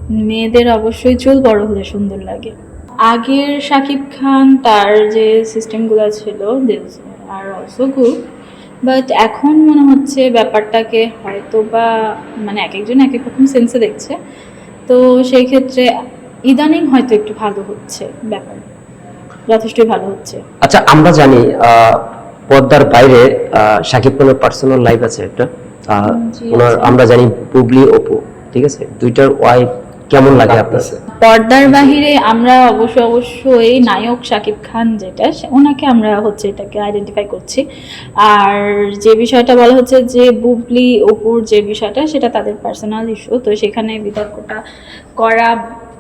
মেয়েদের অবশ্যই চুল বড় হলে সুন্দর লাগে। আগের শাকিব খান তার যে সিস্টেমগুলো ছিল this are also good, but এখন মনে হচ্ছে ব্যাপারটাকে হয়তো বা মানে এক একজন এক এক রকম সেন্সে দেখছে। তো সেই ক্ষেত্রে ইদানিং হয়তো একটু ভালো হচ্ছে, ব্যাপার যথেষ্টই ভালো হচ্ছে। আচ্ছা, আমরা জানি পর্দার বাইরে শাকিব খানের পার্সোনাল লাইফ আছে একটা, জি ওনার আছে। আমরা জানি বুবলি অপু, ঠিক আছে, দুইটার ওয়াইফ কেমন লাগে আপনার? পর্দার বাহিরে আমরা অবশ্যই নায়ক শাকিব খান যেটা ওনাকে আমরা হচ্ছে এটাকে আইডেন্টিফাই করছি। আর যে বিষয়টা বলা হচ্ছে যে বুবলি অপুর যে বিষয়টা সেটা তাদের পার্সোনাল ইস্যু, তো সেখানে বিতর্কটা করা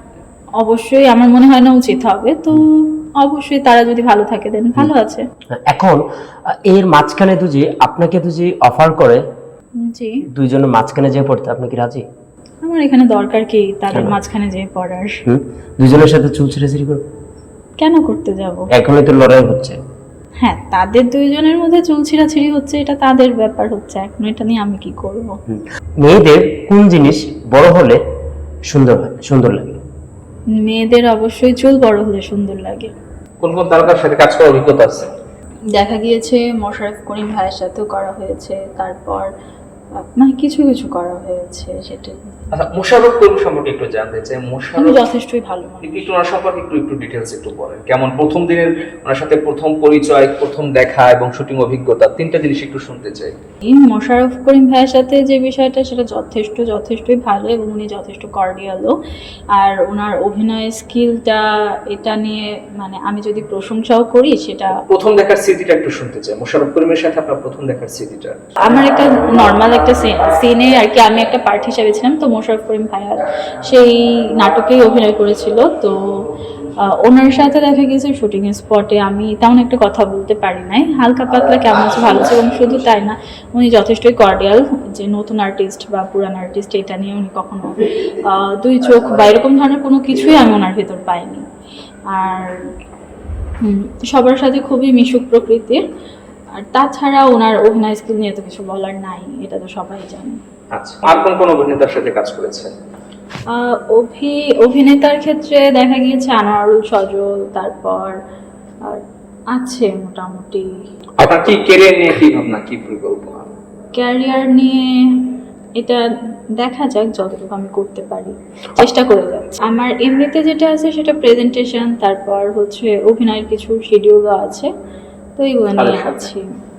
অবশ্যই আমার মনে হয় না উচিত হবে। তো অবশ্যই তারা যদি ভালো থাকে দেন ভালো আছে। এখন এর মাঝখানে দুজি আপনাকে দুজি অফার করে জি, দুইজনের মাঝখানে যে পড়তে, আপনি কি রাজি? আমার এখানে দরকার কি তাদের কেন? মাঝখানে যেয়ে পড়ার? দুইজনের সাথে চুল ছিঁড়াছিঁড়ি করবে? কেন করতে যাব? এখনই তো লড়াই হচ্ছে। হ্যাঁ, তাদের দুইজনের মধ্যে চুল ছিঁড়াছিঁড়ি হচ্ছে, এটা তাদের ব্যাপার হচ্ছে, এখন এটা নিয়ে আমি কি করব? মেয়েদের কোন জিনিস বড় হলে সুন্দর হয়, সুন্দর লাগে? মেয়েদের অবশ্যই চুল বড় হলে সুন্দর লাগে। কোন কোন তারকার সাথে কাজ করার অভিজ্ঞতা আছে? দেখা গিয়েছে মোশাররফ করিম ভাইয়ের সাথেও করা হয়েছে, তারপর মানে কিছু কিছু করা হয়েছে সেটাই। আচ্ছা, মোশাররফ করিম সম্পর্কে একটু জানতে চাই। উনি মোশাররফ যথেষ্টই ভালো মানুষ। একটু ওনার সম্পর্কে একটু ডিটেলস একটু বলেন। কেমন প্রথম দিনের ওনার সাথে প্রথম পরিচয়, প্রথম দেখা এবং শুটিং অভিজ্ঞতা, তিনটা জিনিস একটু শুনতে চাই। এই মোশাররফ করিম ভাইয়ের সাথে যে বিষয়টা সেটা যথেষ্টই ভালো এবং উনি যথেষ্ট কর্ডিয়ালও। আর ওনার অভিনয় স্কিলটা এটা নিয়ে মানে আমি যদি প্রশংসাও করি সেটা। প্রথম দেখার স্মৃতিটা একটু শুনতে চাই, মোশাররফ করিমের সাথে আপনার প্রথম দেখার স্মৃতিটা। আমার একটা নর্মাল একটা সিনে আর কি, আমি একটা পার্ট হিসাবে ছিলাম, তো মোশাররফ করিম ভাইয়া সেই নাটকেই অভিনয় করেছিল। তো ওনার সাথে দেখা গেছে শুটিং স্পটে আমি তেমন একটা কথা বলতে পারি নাই, হালকা পাতলা কেমন আছে ভালো আছে, এবং শুধু তাই না উনি যথেষ্টই কর্ডিয়াল, যে নতুন আর্টিস্ট বা পুরান আর্টিস্ট এটা নিয়ে উনি কখনো দুই চোখ বা এরকম ধরনের কোনো কিছুই আমি ওনার ভেতর পাইনি। আর সবার সাথে খুবই মিশুক প্রকৃতির। আর তাছাড়া ওনার অভিনয় স্কিল নিয়ে তো কিছু বলার নাই, এটা তো সবাই জানে। আচ্ছা, আর কোন কোন অভিনেতার সাথে কাজ করেছেন? অভিনেতার ক্ষেত্রে দেখা গিয়েছে আনোয়ারুল সজল, তারপর আর আছে মোটামুটি। আপনার কি ক্যারিয়ার নিয়ে কি ভাবনা, কি পরিকল্পনা? ক্যারিয়ার নিয়ে এটা দেখা যাক, যতটুকু আমি করতে পারি চেষ্টা করে যাচ্ছি। আমার এমনিতে যেটা আছে সেটা প্রেজেন্টেশন, তারপর হচ্ছে অভিনয়ের কিছু শিডিউলও আছে, তো এইগুলো নিয়ে আছি।